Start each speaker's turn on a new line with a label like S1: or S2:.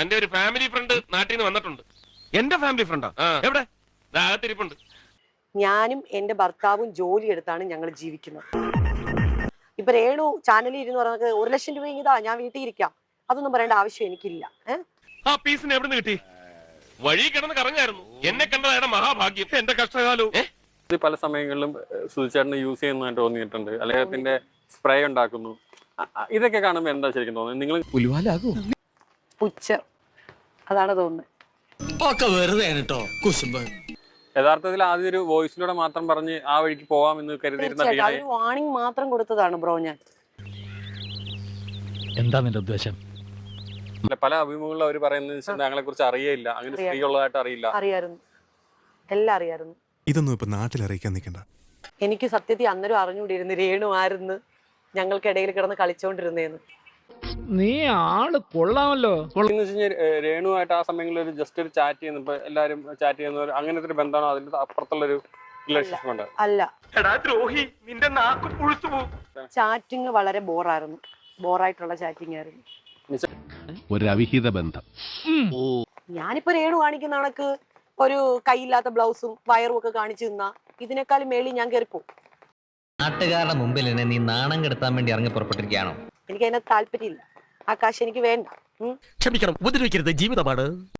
S1: തന്റെ ഒരു family friend നാട്ടിൽ നിന്ന് വന്നിട്ടുണ്ട്.
S2: എന്റെ ഫാമിലി ഫ്രണ്ടാ? എവിടെ?
S1: അകത്തിരിപ്പുണ്ട്.
S3: ഞാനും എന്റെ ഭർത്താവും ജോലി എടുത്താണ് ഞങ്ങൾ ജീവിക്കുന്നത്. ഇപ്പൊ രേണു ചാനലിൽ ഇരുന്ന് പറഞ്ഞത് 1 ലക്ഷം രൂപ ഇതാ ഞാൻ വീട്ടിൽ ഇരിക്കാം, അതൊന്നും പറയേണ്ട ആവശ്യം എനിക്കില്ല.
S1: ആ പീസിന് എവിടെ നിന്ന് കിട്ടി? വഴി കിടന്ന് കറങ്ങായിരുന്നു. എന്നെ കണ്ടതാണ് മഹാഭാഗ്യം. എന്റെ കഷ്ടകാലവും.
S4: പല സമയങ്ങളിലും സുധിച്ചേട്ടന് യൂസ് ചെയ്യുന്നതായിട്ട് തോന്നിയിട്ടുണ്ട്. അദ്ദേഹത്തിന്റെ സ്പ്രേ ഉണ്ടാക്കുന്നു. ഇതൊക്കെ കാണുമ്പോ എന്താ ശരിക്കും തോന്നുന്നത്? നിങ്ങൾ
S3: പുച്ഛം, അതാണ് തോന്നുന്നത്.
S4: യഥാർത്ഥത്തിൽ ആദ്യം ഒരു വോയിസിലൂടെ മാത്രം പറഞ്ഞ് ആ വഴിക്ക് പോവാമെന്ന് കരുതിയിരുന്ന
S3: ഒരു വാണിംഗ് മാത്രം കൊടുത്തതാണ് ബ്രോ. ഞാൻ
S5: എന്താ നിന്റെ ഉദ്ദേശം?
S4: പല അഭിമുഖങ്ങളിൽ അവർ പറയുന്നത് ഞങ്ങളെ കുറിച്ച് അറിയില്ല, അങ്ങനെ സ്ത്രീ ഉള്ളതായിട്ട് അറിയില്ല.
S3: അറിയായിരുന്നു, എല്ലാം അറിയായിരുന്നു.
S6: ഇതൊന്നും ഇപ്പൊ നാട്ടിൽ അറിയിക്കാൻ നിൽക്കണ്ട.
S3: എനിക്ക് സത്യത്തിൽ അന്നേരം അറിഞ്ഞുകൂടിയിരുന്നു രേണു ആരെന്ന്, ഞങ്ങൾക്കിടയിൽ കിടന്ന് കളിച്ചോണ്ടിരുന്നേന്ന്.
S5: നീ ആള് കൊള്ളാമല്ലോ.
S4: രേണുവായിട്ട് ആ സമയങ്ങളിൽ ഒരു ജസ്റ്റ് ഒരു ചാറ്റ് ചെയ്യുന്ന എല്ലാരും ചാറ്റ് ചെയ്യുന്ന അങ്ങനത്തെ ഒരു ബന്ധമാണോ? അതിന്റെ അപ്പുറത്തുള്ള ഒരു റിലേഷൻഷിപ്പ് ഉണ്ട്?
S3: അല്ല,
S1: ദ്രോഹി, നിന്റെ നാക്ക് പുഴുത്തു പോകും.
S3: ചാറ്റിങ് വളരെ ബോറായിരുന്നു, ബോറായിട്ടുള്ള ചാറ്റിംഗ് ആയിരുന്നു.
S7: ഒരു അവിഹിത ബന്ധം.
S3: ഞാനിപ്പോ രേണു കാണിക്കുന്ന കണക്ക് ഒരു കൈയില്ലാത്ത ബ്ലൗസും വയറും ഒക്കെ കാണിച്ചു നിന്നാ ഇതിനേക്കാളും മേളിൽ ഞാൻ കയറിപ്പോവും.
S8: നാട്ടുകാരുടെ മുമ്പിൽ എന്നെ നീ നാണം കെടുത്താൻ വേണ്ടി ഇറങ്ങി പുറപ്പെട്ടിരിക്കുകയാണോ?
S3: എനിക്ക് അതിനകത്ത് താല്പര്യമില്ല, ആ കാശ് എനിക്ക് വേണ്ട.
S5: ക്ഷമിക്കണം, ഉപദ്രവിക്കരുത്, ജീവിതമാണ്.